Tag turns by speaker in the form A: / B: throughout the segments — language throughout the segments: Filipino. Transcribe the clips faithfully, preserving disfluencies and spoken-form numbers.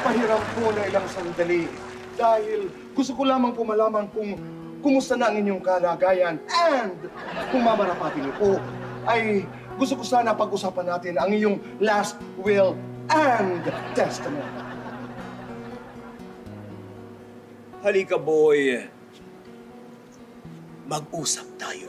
A: Pahiram po na ilang sandali dahil gusto ko lamang po malaman kung kumusta na ang inyong kalagayan. And kung mamarapati niyo po, ay gusto ko sana pag-usapan natin ang iyong last will and testament.
B: Halika, boy. Mag-usap tayo.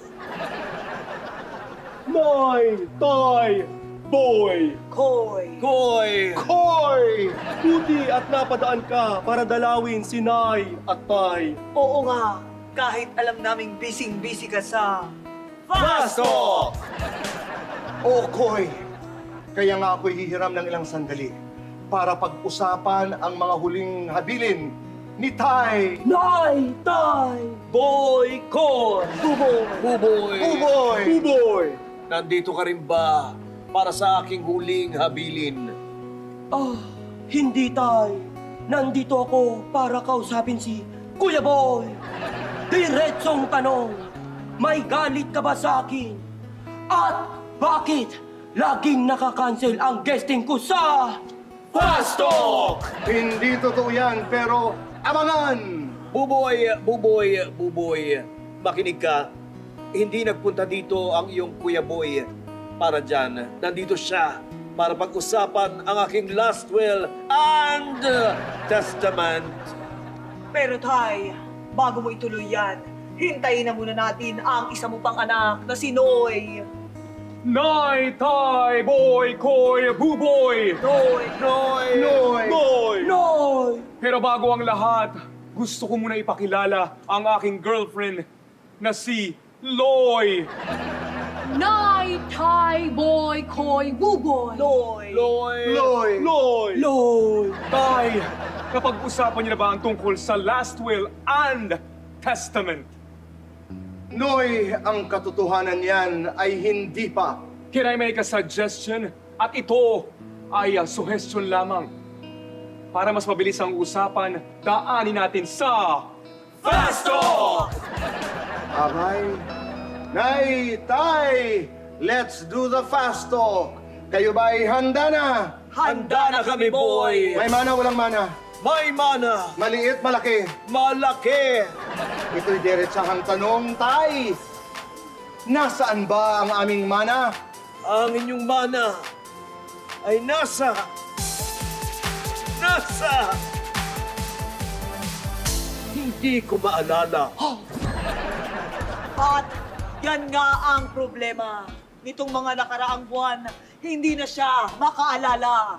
C: Nay, tay, boy,
D: Koy!
B: Koy!
C: koy! Buti at napadaan ka para dalawin si Nay at Tay.
D: Oo nga, kahit alam naming busy-busy ka sa...
B: Pasok!
A: Oo, Koy. Kaya nga ako'y hihiram ng ilang sandali para pag-usapan ang mga huling habilin ni Tay.
D: Nay! Tay!
B: Boy! Koy!
D: Buboy!
B: Buboy!
A: Buboy!
C: Buboy!
B: Nandito ka rin ba para sa aking huling habilin?
E: Ah, hindi, Tay. Nandito ako para kausapin si Kuya Boy. Diretsong tanong, may galit ka ba sa akin? At bakit laging nakakancel ang guesting ko sa...
B: Fast Talk!
A: Hindi totoo yan, pero abangan!
B: Buboy! Buboy! Buboy! Makinig ka. Hindi nagpunta dito ang iyong Kuya Boy para dyan. Nandito siya para pag-usapan ang aking last will and testament.
D: Pero Tay, bago mo ituloy yan, hintayin na muna natin ang isa mo pang anak na si Noy.
C: Nay, tay, boy, koy, buboy!
D: Noy!
B: Noy!
A: Noy!
C: Noy!
E: Noy!
C: Pero bago ang lahat, gusto ko muna ipakilala ang aking girlfriend na si Loy.
F: Nay, Tay, Boy, Koy, Buboy.
D: Noy!
B: Loy!
A: Loy!
C: Loy!
E: Loy!
C: Tay, kapag-usapan niyo na ba ang tungkol sa last will and testament?
A: Noy, ang katotohanan yan ay hindi pa.
C: Can I make a suggestion? At ito ay uh, suggestion lamang. Para mas mabilis ang usapan, daanin natin sa...
B: Fast Talk!
A: Abay, Nay, Tay, let's do the fast talk. Kayo ba ay handa na?
B: Handa na kami, boy!
A: May mana, walang mana.
B: May mana!
A: Maliit, malaki.
B: Malaki!
A: Ito'y diretsahang tanong, Tay. Nasaan ba ang aming mana?
B: Ang inyong mana ay nasa... Nasa... Hindi ko maalala.
D: At yan nga ang problema. Nitong mga nakaraang buwan, hindi na siya makaalala.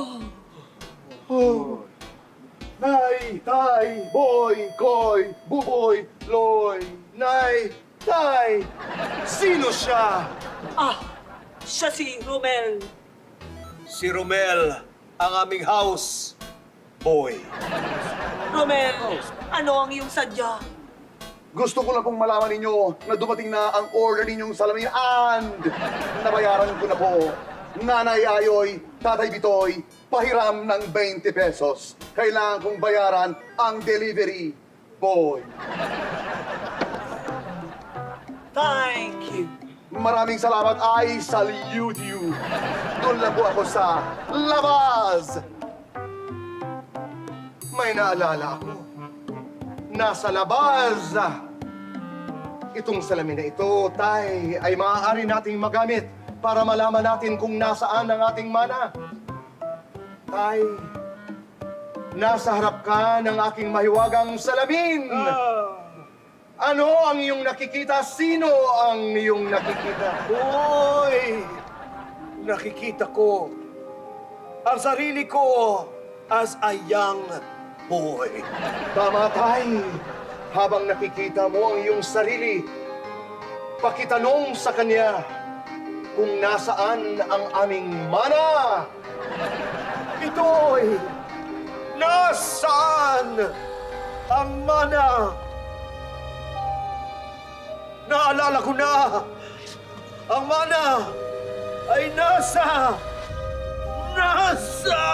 A: Oh. Nay, Tay, Boy, Koy, Buboy, Loy, Nay, Tay. Sino siya?
D: Ah, siya si Romel.
B: Si Romel, ang aming house boy.
D: Romel, ano ang iyong sadya?
A: Gusto ko lang pong malaman ninyo na dumating na ang order ninyong salamin and nabayaran ko na po. Nanay Ayoy, Tatay Bitoy, pahiram ng twenty pesos. Kailangan kong bayaran ang delivery boy.
D: Thank you.
A: Maraming salamat. I salute you. Doon lang po ako sa labas. May naalala ako. Nasa labas. Itong salamin na ito, Tay, ay maaari nating magamit para malaman natin kung nasaan ang ating mana. Tay, nasa harap ka ng aking mahiwagang salamin. Ano ang iyong nakikita? Sino ang iyong nakikita?
B: Boy! Nakikita ko ang sarili ko as a young boy.
A: Tama, Tay. Habang nakikita mo ang iyong sarili, pakitanong sa kanya kung nasaan ang aming mana.
B: Ito'y nasaan ang mana? Naalala ko na! Ang mana ay nasa... Nasa...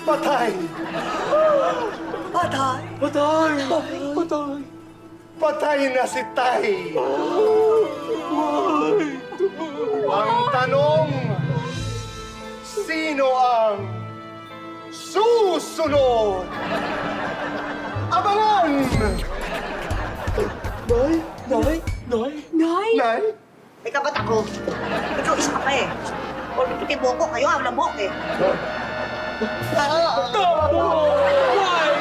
A: Patay!
D: Patay.
A: Patay! Patay! Patay na si Tay! Ang tanong, sino ang susunod? Abangan! Nay? Nay? Nay?
F: Nay?
A: Nay?
G: Teka, ba't ako? Ikaw isa ka pa eh. Or piti buko, kayo ang labok eh.
C: Why?